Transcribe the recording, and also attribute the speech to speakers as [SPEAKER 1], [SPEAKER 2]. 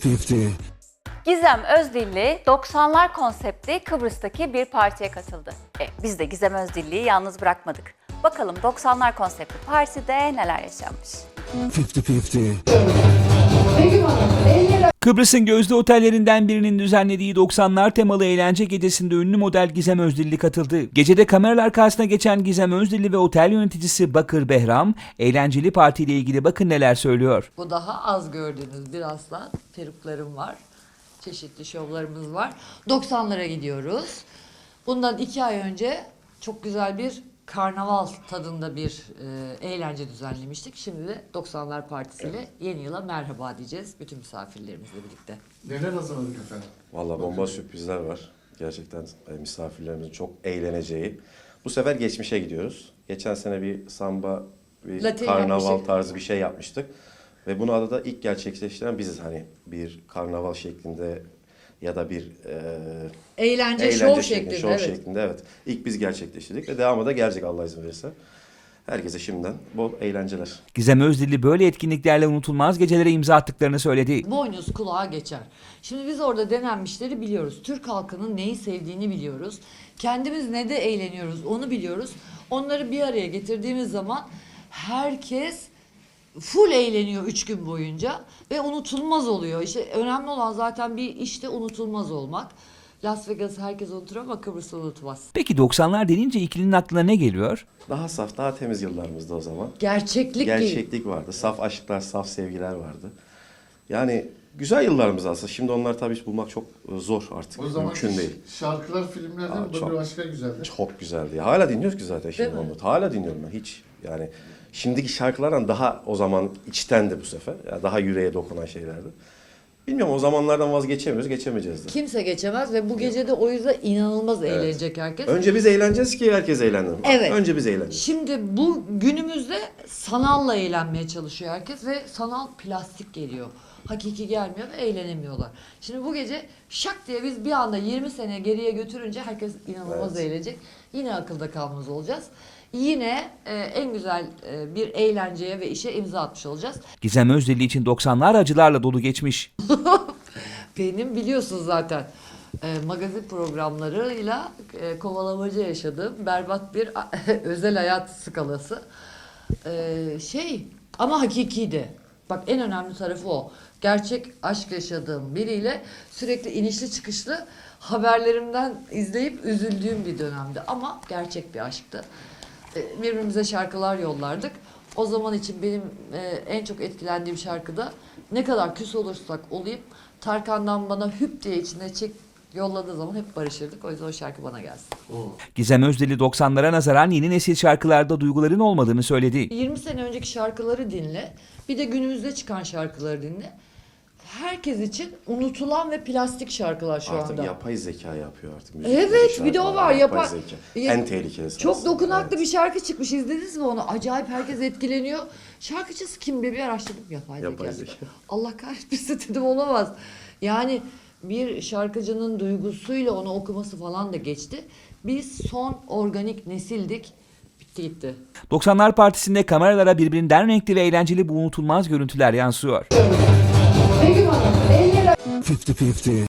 [SPEAKER 1] 50.
[SPEAKER 2] Gizem Özdilli 90'lar konseptli Kıbrıs'taki bir partiye katıldı. Biz de Gizem Özdilli'yi yalnız bırakmadık. Bakalım 90'lar konseptli partide neler yaşanmış.
[SPEAKER 1] 50-50.
[SPEAKER 3] Kıbrıs'ın gözde otellerinden birinin düzenlediği 90'lar temalı eğlence gecesinde ünlü model Gizem Özdilli katıldı. Gecede kameralar karşısına geçen Gizem Özdilli ve otel yöneticisi Bakır Behram, eğlenceli partiyle ilgili bakın neler söylüyor.
[SPEAKER 4] Bu daha az gördüğünüz bir aslan. Peruklarım var. Çeşitli şovlarımız var. 90'lara gidiyoruz. Bundan 2 ay önce çok güzel bir karnaval tadında bir eğlence düzenlemiştik. Şimdi de 90'lar partisiyle yeni yıla merhaba diyeceğiz bütün misafirlerimizle birlikte.
[SPEAKER 5] Neler hazırladık efendim?
[SPEAKER 6] Valla bomba sürprizler var. Gerçekten misafirlerimizin çok eğleneceği. Bu sefer geçmişe gidiyoruz. Geçen sene bir samba, bir
[SPEAKER 4] Latin
[SPEAKER 6] karnaval
[SPEAKER 4] yapmıştık.
[SPEAKER 6] tarzı bir şey yapmıştık. Ve bunu adada ilk gerçekleştiren biziz. Hani bir karnaval şeklinde ya da bir
[SPEAKER 4] Eğlence şov
[SPEAKER 6] şeklinde,
[SPEAKER 4] şeklinde.
[SPEAKER 6] şov
[SPEAKER 4] Evet.
[SPEAKER 6] şeklinde evet. İlk biz gerçekleştirdik ve devamı da gelecek Allah izin verirse. Herkese şimdiden bol eğlenceler.
[SPEAKER 3] Gizem Özdilli böyle etkinliklerle unutulmaz gecelere imza attıklarını söyledi.
[SPEAKER 4] Boynuz kulağa geçer. Şimdi biz orada denenmişleri biliyoruz. Türk halkının neyi sevdiğini biliyoruz. Kendimiz ne de eğleniyoruz onu biliyoruz. Onları bir araya getirdiğimiz zaman herkes full eğleniyor 3 gün boyunca ve unutulmaz oluyor. İşte önemli olan zaten bir işte unutulmaz olmak. Las Vegas'ı herkes unutur ama Kıbrıs'ı unutmaz.
[SPEAKER 3] Peki 90'lar denince ikilinin aklına ne geliyor?
[SPEAKER 6] Daha saf, daha temiz yıllarımızda o zaman.
[SPEAKER 4] Gerçeklik değil.
[SPEAKER 6] Gerçeklik vardı. Saf aşklar, saf sevgiler vardı. Yani güzel yıllarımız aslında. Şimdi onları tabii bulmak çok zor artık.
[SPEAKER 5] O zaman
[SPEAKER 6] Mümkün değil.
[SPEAKER 5] şarkılar, filmler de bu
[SPEAKER 6] çok-
[SPEAKER 5] bir başka güzeldi.
[SPEAKER 6] Çok güzeldi. Ya. Hala dinliyoruz ki zaten şimdi
[SPEAKER 4] Değil mi?
[SPEAKER 6] onu. Hala dinliyorum ben hiç. Yani şimdiki şarkılardan daha o zaman içtendi bu sefer. Yani daha yüreğe dokunan şeylerdi. Bilmiyorum o zamanlardan vazgeçemiyoruz, geçemeyeceğiz de.
[SPEAKER 4] Kimse geçemez ve bu gece de o yüzden inanılmaz eğlenecek herkes.
[SPEAKER 6] Önce biz eğleneceğiz ki herkes eğlensin.
[SPEAKER 4] Evet.
[SPEAKER 6] Önce biz eğleneceğiz.
[SPEAKER 4] Şimdi bu günümüzde sanalla eğlenmeye çalışıyor herkes ve sanal plastik geliyor. Hakiki gelmiyor ve eğlenemiyorlar. Şimdi bu gece şak diye biz bir anda 20 sene geriye götürünce herkes inanılmaz
[SPEAKER 6] Evet.
[SPEAKER 4] eğlenecek. Yine akılda kalmaz olacağız. Yine en güzel bir eğlenceye ve işe imza atmış olacağız.
[SPEAKER 3] Gizem Özdilli için 90'lar acılarla dolu geçmiş.
[SPEAKER 4] Benim biliyorsunuz zaten magazin programlarıyla kovalamaca yaşadığım berbat bir özel hayat skalası. Ama hakikiydi. Bak en önemli tarafı o. Gerçek aşk yaşadığım biriyle sürekli inişli çıkışlı haberlerimden izleyip üzüldüğüm bir dönemdi. Ama gerçek bir aşktı. Birbirimize şarkılar yollardık. O zaman için benim en çok etkilendiğim şarkıda ne kadar küs olursak olayım Tarkan'dan bana hüp diye içine çek yolladığı zaman hep barışırdık. O yüzden o şarkı bana gelsin.
[SPEAKER 3] Gizem Özdilli 90'lara nazaran yeni nesil şarkılarda duyguların olmadığını söyledi.
[SPEAKER 4] 20 sene önceki şarkıları dinle. Bir de günümüzde çıkan şarkıları dinle. Herkes için unutulan ve plastik şarkılar şu
[SPEAKER 6] Artık
[SPEAKER 4] anda.
[SPEAKER 6] yapay zeka yapıyor artık.
[SPEAKER 4] Evet, bir de o var.
[SPEAKER 6] Yapay zeka.
[SPEAKER 4] Ya-
[SPEAKER 6] En tehlikelisi
[SPEAKER 4] Çok
[SPEAKER 6] aslında.
[SPEAKER 4] dokunaklı
[SPEAKER 6] Evet.
[SPEAKER 4] bir şarkı çıkmış. İzlediniz mi onu? Acayip herkes etkileniyor. Şarkıcısı kim diye bir araştırdım. Yapay
[SPEAKER 6] Yapay
[SPEAKER 4] zeka.
[SPEAKER 6] zeka.
[SPEAKER 4] Allah kahretmesin dedim olamaz. Yani bir şarkıcının duygusuyla onu okuması falan da geçti. Biz son organik nesildik. Bitti gitti.
[SPEAKER 3] 90'lar partisinde kameralara birbirinden renkli ve eğlenceli bu unutulmaz görüntüler yansıyor.
[SPEAKER 1] 50-50.